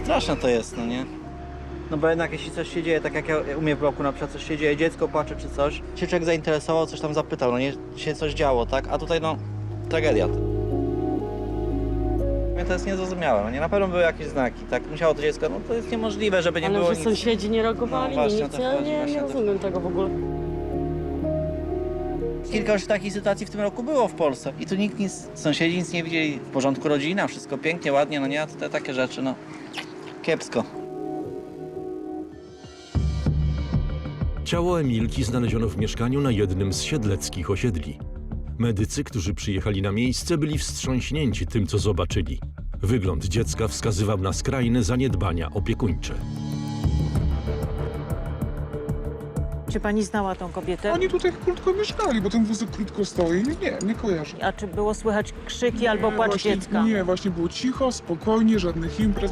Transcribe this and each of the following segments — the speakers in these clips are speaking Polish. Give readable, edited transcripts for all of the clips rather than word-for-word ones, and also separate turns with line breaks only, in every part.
Straszne to jest, no nie? No bo jednak jeśli coś się dzieje, tak jak u mnie w bloku na przykład coś się dzieje, dziecko płacze czy coś, się człowiek zainteresował, coś tam zapytał, no nie, się coś działo, tak? A tutaj no, tragedia. Mnie to jest niezrozumiałe, no nie? Na pewno były jakieś znaki, tak? Musiało to dziecko, no to jest niemożliwe, żeby nie było
Ale że
nic.
sąsiedzi nie reagowali,
No właśnie,
nic,
o to
ja
chodzi,
nie
właśnie o to
rozumiem tego w ogóle.
Kilka już takich sytuacji w tym roku było w Polsce i tu nikt nic, sąsiedzi nic nie widzieli, w porządku rodzina, wszystko pięknie, ładnie, no nie? A te takie rzeczy, no, kiepsko.
Ciało Emilki znaleziono w mieszkaniu na jednym z siedleckich osiedli. Medycy, którzy przyjechali na miejsce, byli wstrząśnięci tym, co zobaczyli. Wygląd dziecka wskazywał na skrajne zaniedbania opiekuńcze.
Czy pani znała tą kobietę?
Oni tutaj krótko mieszkali, bo ten wózek krótko stoi. Nie kojarzę.
A czy było słychać krzyki albo płacz
właśnie,
dziecka?
Nie, właśnie było cicho, spokojnie, żadnych imprez.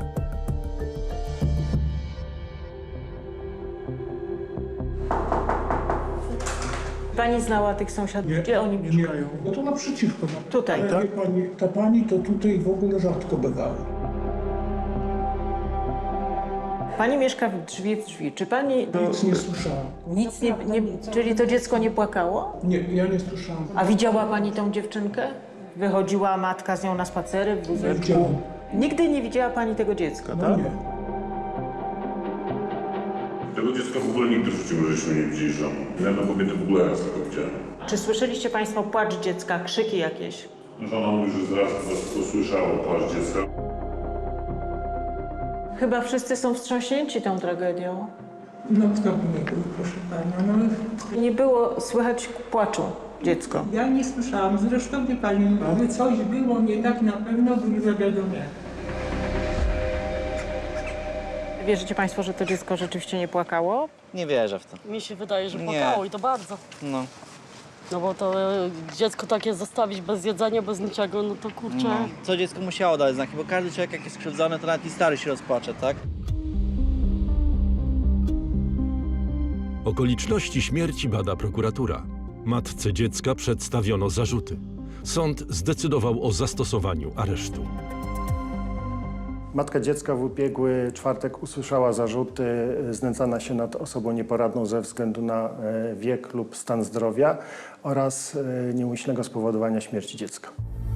Pani znała tych sąsiadów? Gdzie oni mieszkają?
No to naprzeciwko. No.
Tutaj,
Ale
tak?
wie pani, ta pani to tutaj w ogóle rzadko bywała.
Pani mieszka w drzwi. Czy pani...
Nic nie słyszałam.
Nic nie... Czyli to dziecko nie płakało?
Nie, ja nie słyszałam.
A widziała pani tą dziewczynkę? Wychodziła matka z nią na spacery w wózeczku?
Widziałam.
Nigdy nie widziała pani tego dziecka,
No
tak?
nie.
Tego dziecka w ogóle nigdy w życiu żeśmy nie widzieli żoną. Jedną kobietę w ogóle raz tylko widziałem.
Czy słyszeliście państwo płacz dziecka, krzyki jakieś?
Żona mówi, że zaraz po prostu usłyszała płacz dziecka.
Chyba wszyscy są wstrząśnięci tą tragedią.
No kto by nie był, proszę pana. No,
Nie było słychać płaczu dziecko.
Ja nie słyszałam, zresztą wie pani, gdyby coś było nie tak, na pewno by zawiadomione.
Wierzycie państwo, że to dziecko rzeczywiście nie płakało?
Nie wierzę w to.
Mi się wydaje, że
Nie.
płakało i to bardzo.
No,
No bo to dziecko takie zostawić bez jedzenia, bez niczego, no to kurczę.
no. Co dziecko musiało dać znaki, bo każdy człowiek jak jest skrzywdzony, to nawet i stary się rozpłacze, tak?
Okoliczności śmierci bada prokuratura. Matce dziecka przedstawiono zarzuty. Sąd zdecydował o zastosowaniu aresztu.
Matka dziecka w ubiegły czwartek usłyszała zarzuty znęcania się nad osobą nieporadną ze względu na wiek lub stan zdrowia oraz nieumyślnego spowodowania śmierci dziecka.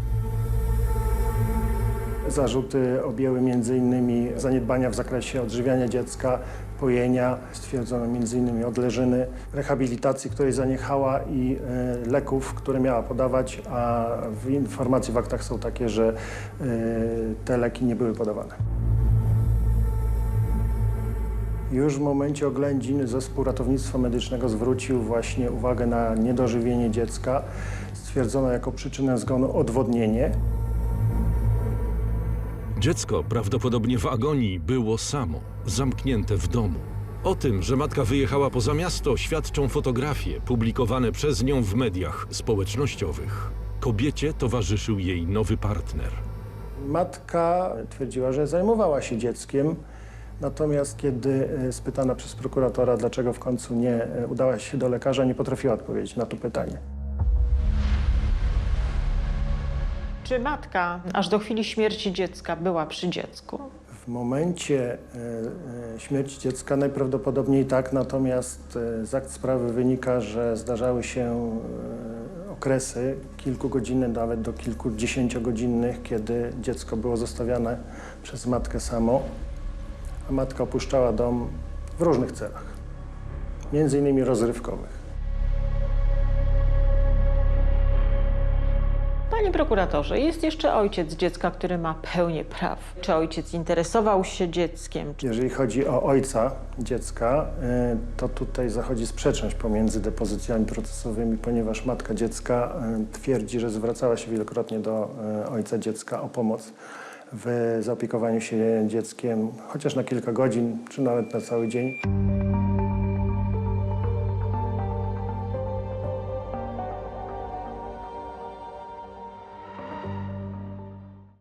Zarzuty objęły m.in. zaniedbania w zakresie odżywiania dziecka, pojenia, stwierdzono m.in. odleżyny, rehabilitacji, której zaniechała i leków, które miała podawać, a informacje w aktach są takie, że te leki nie były podawane. Już w momencie oględzin zespół ratownictwa medycznego zwrócił właśnie uwagę na niedożywienie dziecka. Stwierdzono jako przyczynę zgonu odwodnienie.
Dziecko prawdopodobnie w agonii było samo, zamknięte w domu. O tym, że matka wyjechała poza miasto, świadczą fotografie publikowane przez nią w mediach społecznościowych. Kobiecie towarzyszył jej nowy partner.
Matka twierdziła, że zajmowała się dzieckiem, natomiast kiedy spytana przez prokuratora, dlaczego w końcu nie udała się do lekarza, nie potrafiła odpowiedzieć na to pytanie.
Czy matka aż do chwili śmierci dziecka była przy dziecku?
W momencie śmierci dziecka najprawdopodobniej tak, natomiast z akt sprawy wynika, że zdarzały się okresy kilkugodzinne, nawet do kilkudziesięciogodzinnych, kiedy dziecko było zostawiane przez matkę samo, a matka opuszczała dom w różnych celach, między innymi rozrywkowych.
Panie prokuratorze, jest jeszcze ojciec dziecka, który ma pełnię praw. Czy ojciec interesował się dzieckiem?
Jeżeli chodzi o ojca dziecka, to tutaj zachodzi sprzeczność pomiędzy depozycjami procesowymi, ponieważ matka dziecka twierdzi, że zwracała się wielokrotnie do ojca dziecka o pomoc w zaopiekowaniu się dzieckiem, chociaż na kilka godzin, czy nawet na cały dzień.